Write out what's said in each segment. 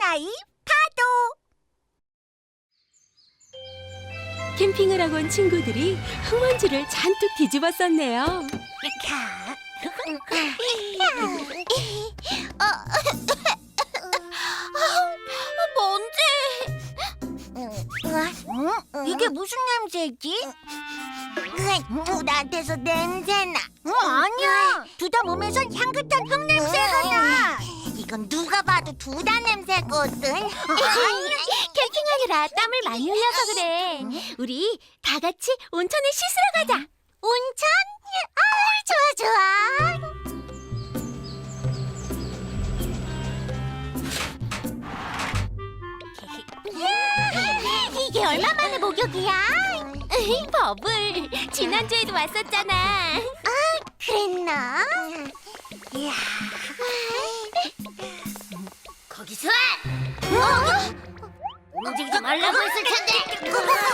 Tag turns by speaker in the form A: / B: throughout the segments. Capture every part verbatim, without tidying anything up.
A: 사나이 파도.
B: 캠핑을 하고 온 친구들이 흙먼지를 잔뜩 뒤집었었네요.
A: 먼지. 이게 무슨 냄새지? 나한테서 냄새나. 어, 아니야. 두다 몸에선 향긋한 흙 냄새가 나. 이건 누가 봐도 두다 냄새거든.
B: 캠핑하느라 땀을 많이 흘려서 그래. 우리 다 같이 온천에 씻으러 가자.
A: 온천? 아, 좋아 좋아. 이게 얼마 만에 목욕이야?
B: 버블, 지난주에도 왔었잖아.
A: 그랬나? 이야.
C: 거기서 움직이지 말라고 했을 텐데.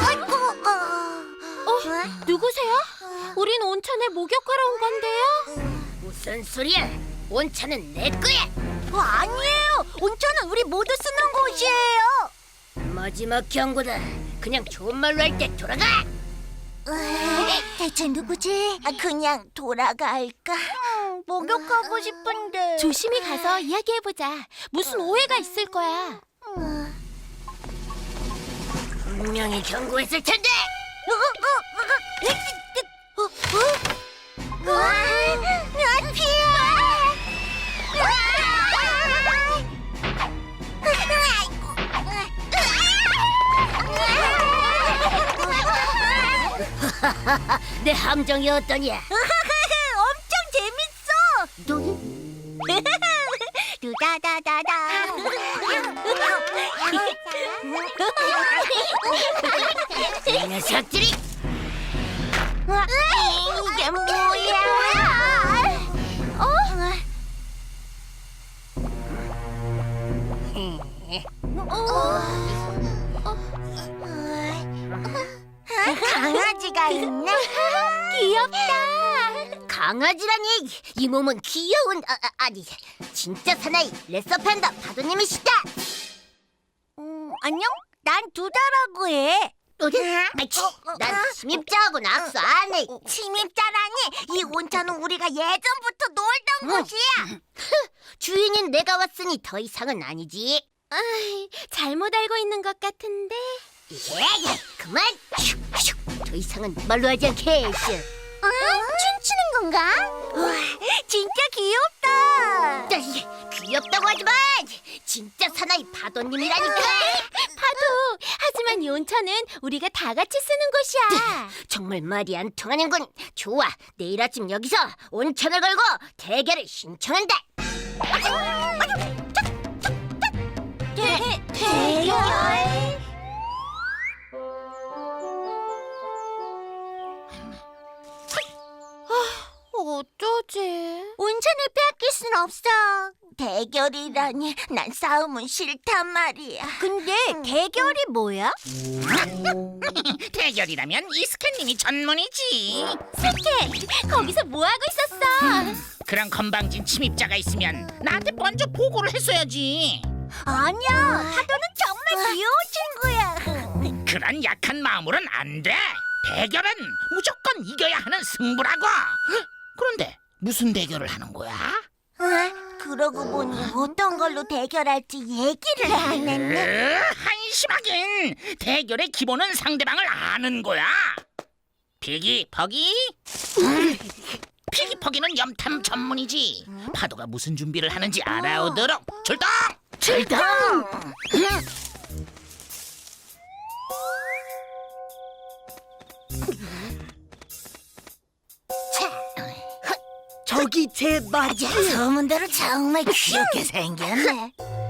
B: 어, 누구세요? 우린 온천에 목욕하러 온 건데요.
C: 무슨 소리야? 온천은 내 거야.
A: 어, 아니에요. 온천은 우리 모두 쓰는 곳이에요.
C: 마지막 경고다. 그냥 좋은 말로 할 때 돌아가.
A: 대체 누구지? 그냥 돌아갈까? 목욕하고 싶은데.
B: 조심히 가서 이야기해보자. 무슨 오해가 있을 거야.
C: 분명히 경고했을 텐데. 내 함정이 어떠냐?
A: 엄청 재밌어.
C: 너
A: 두다다다다.
C: 이 녀석들이
A: 이게 뭐야? 강아지가 있네.
B: 귀엽다.
C: 강아지라니. 이 몸은 귀여운 아, 아, 아니 진짜 사나이 레서판더 파도님이시다.
A: 음, 안녕? 난 두다라고 해.
C: 아이치, 난 침입자하고는 악수 안 해.
A: 침입자라니? 이 온천은 우리가 예전부터 놀던 곳이야.
C: 주인인 내가 왔으니 더 이상은 아니지.
B: 아이, 잘못 알고 있는 것 같은데.
C: 예, 예, 그만. 슉, 슉. 더 이상은 말로 하지 않게. 슉.
A: 어? 춤추는 건가? 와, 진짜 귀엽다.
C: 에이, 귀엽다고 하지만 진짜 사나이 파도님이라니까.
B: 파도, 하지만 이 온천은 우리가 다 같이 쓰는 곳이야.
C: 정말 말이 안 통하는군. 좋아, 내일 아침 여기서 온천을 걸고 대결을 신청한다.
A: 대, 대결?
B: 어쩌지?
A: 온천을 빼앗길 순 없어. 대결이라니, 난 싸움은 싫단 말이야. 근데 대결이 뭐야?
D: 대결이라면 이스캔님이 전문이지.
B: 스케, 거기서 뭐 하고 있었어?
D: 그런 건방진 침입자가 있으면 나한테 먼저 보고를 했어야지.
A: 아니야, 파도는 정말 귀여운 친구야.
D: 그런 약한 마음으론 안 돼. 대결은 무조건 이겨야 하는 승부라고. 그런데 무슨 대결을 하는 거야?
A: 어? 그러고 보니 어떤 걸로 대결할지 얘기를 안 했네.
D: 으, 한심하긴. 대결의 기본은 상대방을 아는 거야. 피기 퍼기. 피기 퍼기는 염탐 전문이지. 파도가 무슨 준비를 하는지 알아오도록 출동.
C: 출동.
A: 저기 제 맞아. 소문대로 정말 귀엽게 생겼네.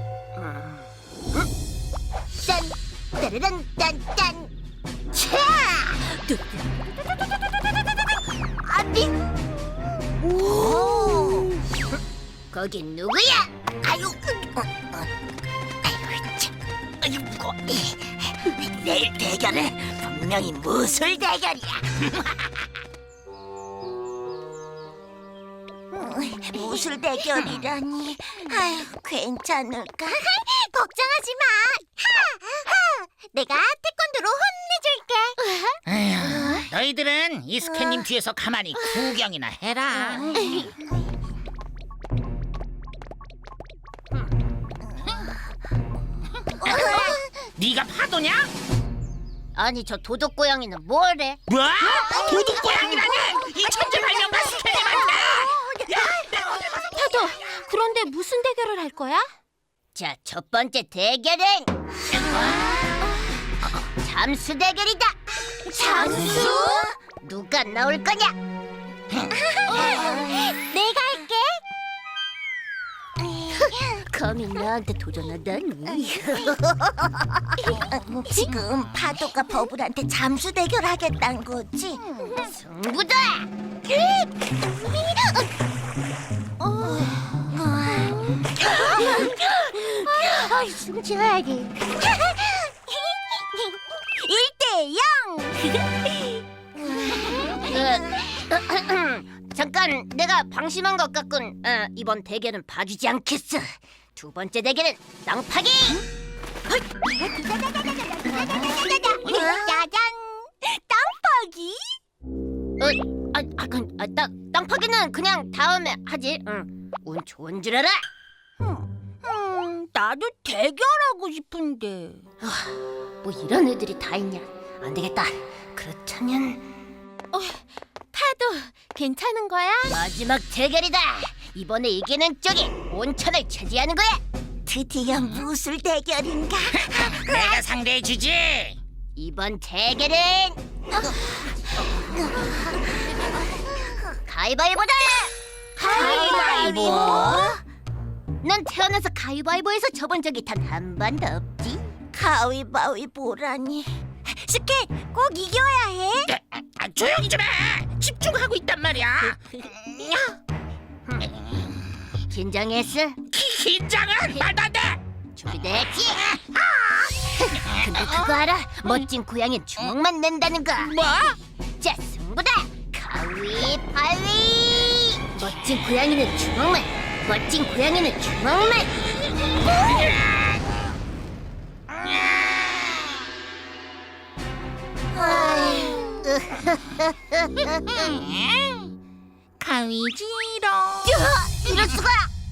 C: 짠, 따르란, 짠, 짠. 차!
A: 아니. 오.
C: 거긴 누구야?
A: 아유. 어, 어. 아유 참. 아유 무거워. 내일 대결은 분명히 무술 대결이야. 무술 대결이라니. 아유, 괜찮을까? 걱정 걱정하지 마. 하, 하. 내가 태권도로 혼내줄게.
D: 에휴, 너희들은 이스케님 뒤에서 가만히 구경이나 해라. 네가 파도냐?
C: 아니 저 도둑 고양이는 뭐래?
D: 뭐? 도둑 고양이라니? 이 천재발명가 스케님한테!
B: 파도, 그런데 무슨 대결을 할 거야?
C: 자, 첫 번째 대결은 잠수 대결이다.
A: 잠수?
C: 누가 나올 거냐?
A: 내가 할게.
C: 감히 나한테 도전하다니.
A: 지금 파도가 버블한테 잠수 대결하겠다는 거지?
C: 승부다.
A: 아, 숨쉬어야지. 일 대 영.
C: 그, 잠깐 내가 방심한 것 같군. 어, 이번 대결은 봐주지 않겠어. 두 번째 대결은 땅파기.
A: 짜잔. 땅파기?
C: 어, 아, 아, 그, 아, 땅 땅파기는 그냥 다음에 하지. 응. 운 좋은 줄 알아.
A: 음, 나도 대결하고 싶은데.
C: 뭐 이런 애들이 다 있냐? 안 되겠다. 그렇다면
B: 파도, 괜찮은 거야?
C: 마지막 대결이다. 이번에 이기는 쪽이 온천을 차지하는 거야.
A: 드디어 무술 대결인가?
D: 내가 상대해주지.
C: 이번 대결은 가위바위보다.
A: 가위바위보?
C: 넌 태어나서 가위바위보에서 져본 적이 단 한 번도 없지.
A: 가위바위보라니. 스케, 꼭 이겨야 해.
D: 아, 아, 조용히 좀 해. 집중하고 있단 말이야.
C: 긴장했어?
D: 긴장은 말도 안 돼.
C: 준비됐지? 근데 그거 알아? 멋진 고양이는 주먹만 낸다는 거.
D: 뭐?
C: 자, 승부다. 가위바위. 멋진 고양이는 주먹만. 멋진 고양이는 주먹만.
D: 가위지롱.
C: 이럴 수가.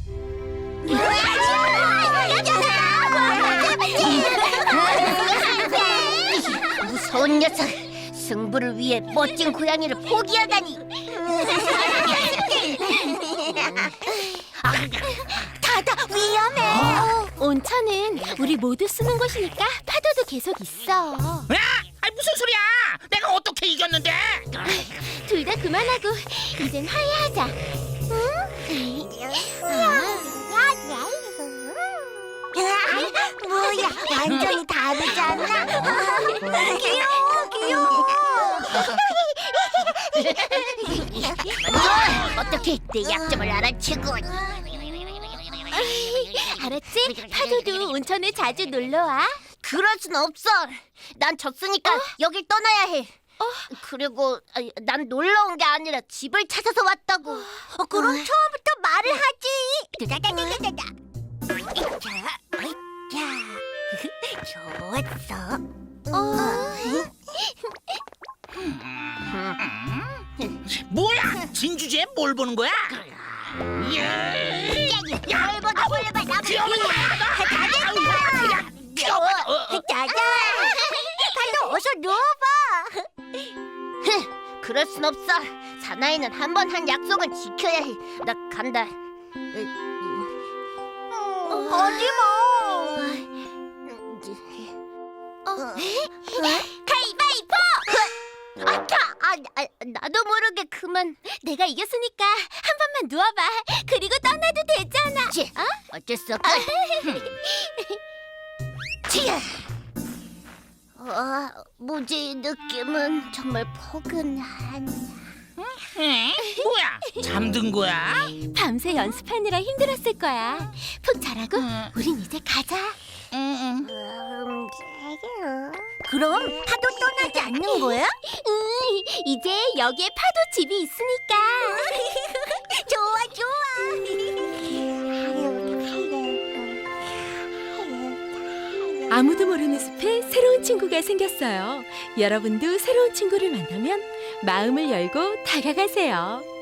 C: 무서운 녀석. 승부를 위해 멋진 고양이를 포기하다니.
A: 다다 위험해.
B: 온천은 우리 모두 쓰는 곳이니까 파도도 계속 있어.
D: 야, 아, 무슨 소리야? 내가 어떻게 이겼는데?
B: 둘 다 그만하고 이젠 화해하자.
A: 뭐야, 완전히 다르잖아. 귀여워, 귀여워.
C: 어떻게 내 약점을 알아채고.
B: 알았지? 파도도 온천에 자주 놀러 와.
C: 그럴 순 없어. 난 졌으니까 여길 떠나야 해. 그리고 아, 난 놀러 온 게 아니라 집을 찾아서 왔다고.
A: 어, 그럼 처음부터 말을 하지. 두다다다다다다. 자, 자, 좋았어.
D: 뭐야? 진주지에 뭘 보는 거야? 예.
A: 뭘 보다 뭘 봐, 나
D: 귀여운 거야. 다 귀여워.
A: 짜잔. 파도 어서 누워봐.
C: 그럴 순 없어. 사나이는 한 번 한 약속은 지켜야 해. 나 간다.
A: 하지 마.
B: 가위바위보!
C: 아차! 아, 아, 나도 모르게 그만.
B: 내가 이겼으니까 한 번만 누워봐. 그리고 떠나도 되잖아.
C: 치, 어쩔 수 없다. 치야. 아, 뭐지 느낌은 정말 포근한.
D: 에? 뭐야? 잠든 거야?
B: 밤새 연습하느라 힘들었을 거야. 푹 자라고
D: 음.
B: 우린 이제 가자.
D: 응,
C: 음,
A: 그럼 파도 떠나지 않는 거야?
B: 응, 이제 여기에 파도 집이 있으니까.
A: 좋아, 좋아.
B: 아무도 모르는 숲에 새로운 친구가 생겼어요. 여러분도 새로운 친구를 만나면 마음을 열고 다가가세요.